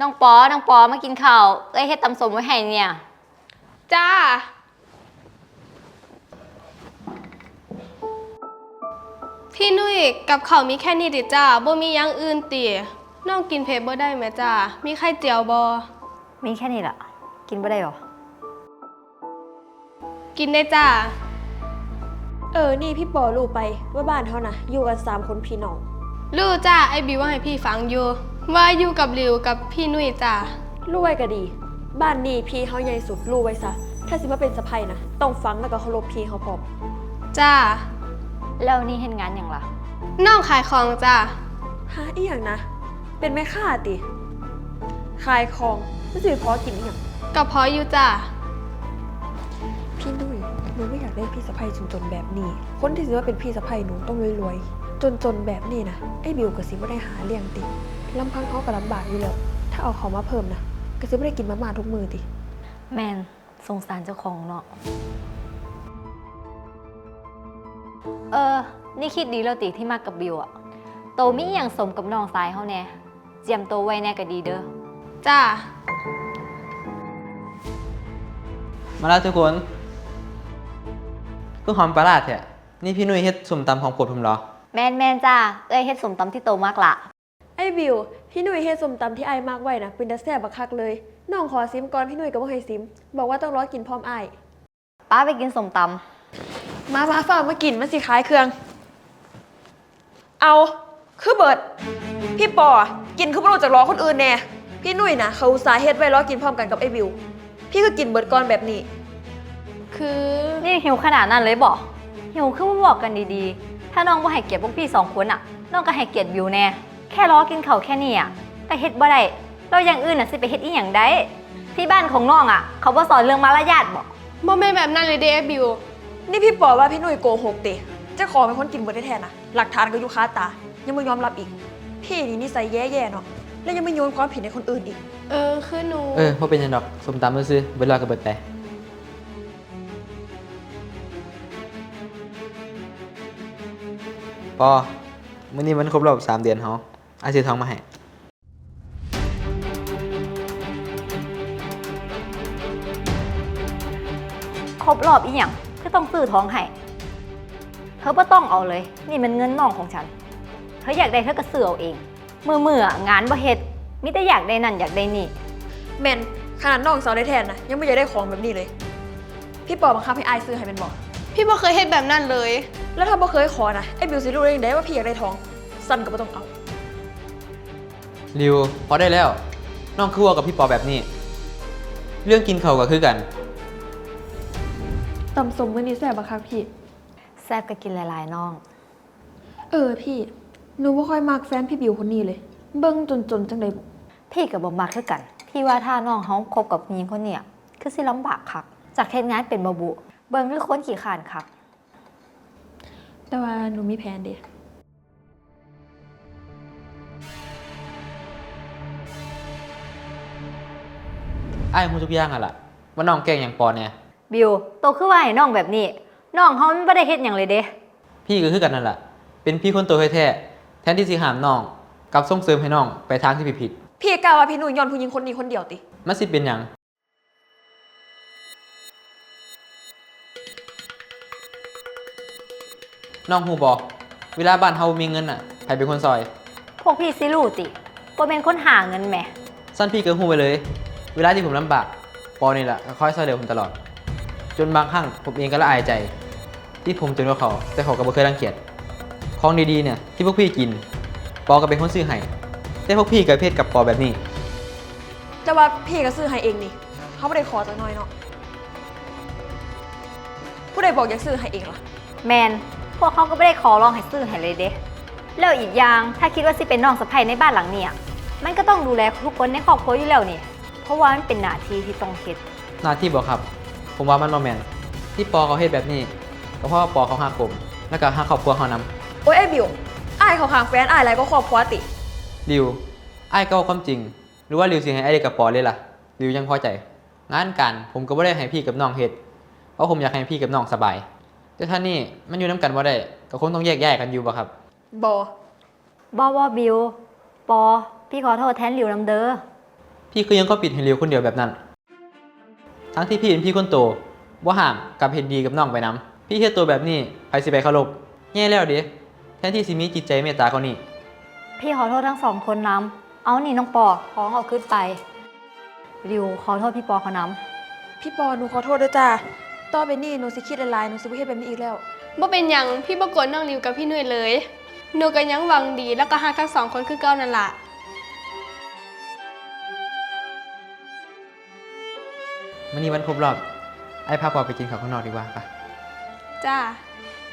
น้องปอมากินข้าวเอ้ยเฮ็ดตำส้มไว้ให้เนี่ยจ้าพี่นุ้ยกับข้าวมีแค่นี้ติจ้าบ่มีอย่างอื่นติน้องกินเผ็ดบ่ได้ไหมจ้ามีไข่เจียวบ่มีแค่นี้ล่ะกินบ่ได้หรอกินได้จ้านี่พี่ปอรู้ไปว่าบ้านเขานะอยู่กัน3 คนพี่น้องรู้จ้าไอ้บิวว่าให้พี่ฟังอยู่ว่าอยู่กับริวกับพี่นุ้ยจ้ารู้ไว้ก็ดีบ้านนี้พี่เขาใหญ่สุดรู้ไว้ซะถ้าสิมาเป็นสะใภ้นะต้องฟังแล้วก็เคารพพี่เขาพร้อมจ้าแล้วนี่เฮ็ดงานหยังล่ะน้องขายของจ้าหาอีหยังนะเป็นแม่ค้าติขายของไม่สิพอกินอีหยังก็พออยู่จ้าพี่นุ้ยหนูไม่อยากได้พี่สะใภ้จนๆแบบนี้คนที่สิว่าเป็นพี่สะใภ้หนูต้องรวยๆจนๆแบบนี้นะไอ้บิวก็สิบ่ได้หาเลี้ยงติลำพังเขาก็ลำบากอยู่แล้วถ้าเอาเขามาเพิ่มนะก็สิบ่ได้กินมาม่าทุกมื้อติแม่นสงสารเจ้าของเนาะนี่คิดดีแล้วติที่มากับบิวอะโตมีอย่างสมกับน้องสายเขาแน่เจียมโตไว้แน่ก็ดีเด้อจ้ามาแล้วทุกคนก็หอมปลาร้าแท้นี่พี่นุ้ยเฮ็ดส้มตำของโปรดผมเหรอแม่นจ้าเอ้ยเฮ็ดสมตำที่โตมากละไอ้บิวพี่หนุ่ยเฮ็ดส้มตำที่ไอ้มากไว้นะเป็นตาแซ่บบักคักเลยน้องขอซิมก่อนพี่หนุ่ยก็บ่ให้ซิมบอกว่าต้องรอกินพร้อมไอ้ป้าไปกินสมตำมาฝากมากินมันสิขายเครื่องเอาคือเบิดพี่ปอกินคือบ่รู้จักรอคนอื่นแน่พี่หนุ่ยนะเขาอุตส่าห์เฮ็ดไว้รอกินพร้อมกันกับไอ้บิวพี่ก็กินเบิดก่อนแบบนี้คือนี่หิวขนาดนั้นเลยบ่หิวคือบ่บอกกันดีๆถ้าน้องบ่ให้เกียรติพวกพี่2 คนอ่ะน้องก็ให้เกียรติบิวแน่แค่รอกินข้าวแค่นี้อ่ะแต่เฮ็ดบ่ได้เราอย่างอื่นน่ะสิไปเฮ็ดอีหยังได้ที่บ้านของน้องอ่ะเขาบ่สอนเรื่องมารยาทบ่แม่นแบบนั้นเลยเด้บิวนี่พี่ปอว่าพี่หนุ่ยโกหกติเจ้าของเป็นคนกินเบิดแท้ๆนะหลักฐานก็อยู่คาตายังไม่ยอมรับอีกพี่นี่นิสัยแย่ๆเนาะแล้วยังไม่โยนความผิดให้คนอื่นอีกคือหนูบ่เป็นหยังดอกส้มตำซื่อๆเบิดรอก็เบิดไปปอมื้อนี้มันครบรอบ3 เดือนเฮาอ้ายซื้อทองมาให้ครบรอบอีหยังคือต้องซื้อทองให้เธอบ่ต้องเอาเลยนี่มันเงินน้องของฉันเธออยากได้เธอก็ซื้อเอาเองมื้องานบ่เฮ็ดมีแต่อยากได้นั่นอยากได้นี่แม่นขนาดน้องสาวได้แทนนะยังไม่อยากได้ของแบบนี้เลยพี่ปอบังคับให้อายซื้อให้เป็นบอกพี่บ่เคยเฮ็ดแบบนั้นเลยแล้วถ้าบ่เคยขอนะไอ้บิวสิรู้ได้ยังไงว่าพี่อยากได้ทองสั้นก็บ่ต้องเอาริวพอได้แล้วน้องคือว่ากับพี่ปอแบบนี้เรื่องกินข้าวก็คือกันตำส้มมื้อนี้แซ่บบ่คะพี่แซ่บก็กินหลายๆน้องพี่หนูบ่ค่อยมักแฟนพี่บิวคนนี้เลยเบิ่งจนจังได๋พี่ก็บ่มักคือกันพี่ว่าถ้าน้องเฮาคบกับผู้หญิงคนเนี้ยคือสิลำบากคักจากเฮ็ดงานเป็นบ่บุเบิ่งคือคนขี้คร้านคักแต่ว่าหนูมีแผนเด้อ้ายฮู้ทุกอย่างอ่ะล่ะว่าน้องแกล้งหยังปอเนี่ยบิวโตคือว่าให้น้องแบบนี้น้องเฮามันบ่ได้เฮ็ดหยังเลยเด้พี่ก็คือกันนั่นล่ะเป็นพี่คนโตแท้ๆแทนที่สิห้ามน้องกลับส่งเสริมให้น้องไปทางที่ผิดพี่กล่าวว่าพี่หนุ่ยย้อนผู้หญิงคนนี้คนเดียวติมันสิเป็นหยังน้องฮู้บ่เวลาบ้านเฮามีเงินน่ะใครเป็นคนซอยพวกพี่สิรู้ติบ่เป็นคนหาเงินแหมซั่นพี่ก็ฮู้ไปเลยเวลาที่ผมลำบากปอนี่แหละก็คอยช่วยเหลือผมตลอดจนบางครั้งผมเองก็ละอายใจที่ผมจนกว่าเขาแต่เขาก็บ่เคยรังเกียจของดีๆเนี่ยที่พวกพี่กินปอก็เป็นคนซื้อให้แต่พวกพี่กับเพศกับปอแบบนี้แต่ว่าพี่ก็ซื้อให้เองนี่เขาไม่ได้ขอจักหน่อยเนาะผู้ใดบอกอยากซื้อให้เองล่ะแมนพวกเขาก็ไม่ได้ขอร้องให้ซื้อให้เลยเด้แล้วอีกอย่างถ้าคิดว่าสิเป็นน้องสะใภ้ในบ้านหลังนี้มันก็ต้องดูแลทุกคนในครอบครัวอยู่แล้วนี่เพราะว่ามันเป็นหน้าที่ที่ต้องเฮ็ดหน้าที่บ่ครับผมว่ามันบ่แม่นที่ปอเขาเฮ็ดแบบนี้ก็เพราะว่าปอเขาฮักผมแล้วก็ฮักครอบครัวเขานำโอ้ยไอ้บิวอ้ายเขาข้างแฟนอ้ายอะไรก็ครอบครัวติริวอ้ายก็ความจริงหรือว่าริวสิให้อ้ายกับปอเลยล่ะริวยังพอใจงานการผมก็บ่ได้ให้พี่กับน้องเฮ็ดเพราะผมอยากให้พี่กับน้องสบายแต่ถ้านี่มันอยู่นำกันบ่ได้ก็คงต้องแยกย้ายกันอยู่บ่ครับบ่บิวปอพี่ขอโทษแทนริวนำเด้อพี่คือยังก็ปิดให้ริวคนเดียวแบบนั้น ทั้งที่พี่เป็นพี่คนโตว่าห่างกับเห็นดีกับน้องไปน้ำพี่เฮ็ดตัวแบบนี้ใครสิไปเคารพแย่แล้วเด้แทนที่สิมีจิตใจเมตตาเขานี่พี่ขอโทษทั้งสองคนน้ำเอานี่น้องปอท้องเอาขึ้นไปริวขอโทษพี่ปอเขาน้พี่ปอหนูขอโทษด้วยจ้าต่อไปนี้หนูสิคิดหลายๆหนูสิบ่เฮ็ดแบบนี้อีกแล้วบ่เป็นหยังพี่บ่โกดน้องริวกับพี่นุ้ยเลยหนูก็ยังหวังดีแล้วก็ฮักทั้งสองคนคือเก่านั่นล่ะมื้อนี้วันครบรอบไอ้พาปอไปกินข้าวข้างนอกดีกว่าปะจ้า